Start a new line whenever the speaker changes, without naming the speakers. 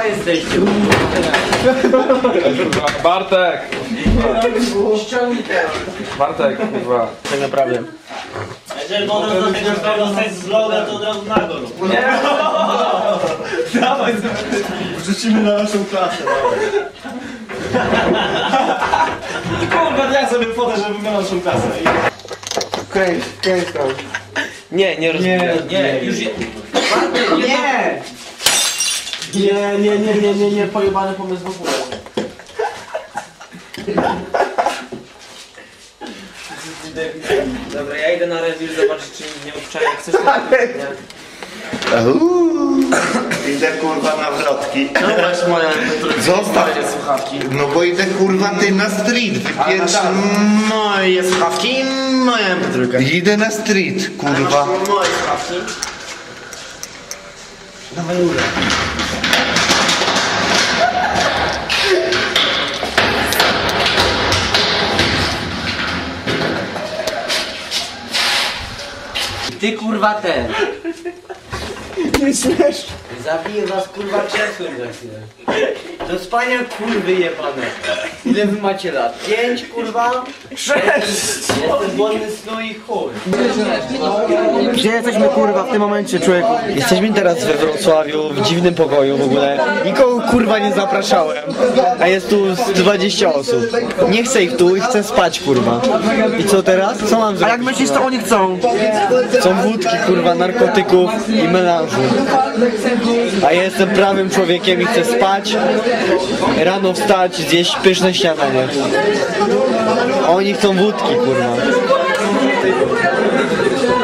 jesteście.
Bartek! Bartek, kurwa.
Tak naprawdę.
Jeżeli potem do tego dostać z vloga, to od razu na go.
Nie!
Dawaj, wrzucimy na naszą klasę. Kurwa, ja sobie fotę, żeby miał naszą klasę.
Kręć tam. Nie rozumiem. Nie, już je... Nie, pojebany pomysł w ogóle. Dobra, ja idę na rewir zobaczyć, czy nie obczaję. Chcesz to?
Idę kurwa na wrotki.
No właśnie moja
Zostaw.
słuchawki.
No bo idę kurwa ty na street, wypierdam.
Moje słuchawki, moja MP3.
Idę na street, kurwa.
Moje słuchawki. Dawaj górę. Ty kurwa ten.
Nie śmiesz.
Zabiję was kurwa krzesłem za chwilę. To spania kurwy jebane. Ile wy macie lat? 5 kurwa? 6. Jestem wolny snu i chuj.
Gdzie jesteśmy kurwa w tym momencie, człowieku?
Jesteśmy teraz we Wrocławiu, w dziwnym pokoju w ogóle. Nikogo kurwa nie zapraszałem, a jest tu z 20 osób. Nie chcę ich tu i chcę spać kurwa. I co teraz? Co mam
A
zrobić?
jak myślisz, co oni chcą?
Są wódki kurwa, narkotyków i melanżu. A ja jestem prawym człowiekiem i chcę spać, rano wstać, zjeść pyszne śniadanie. A oni chcą wódki kurwa.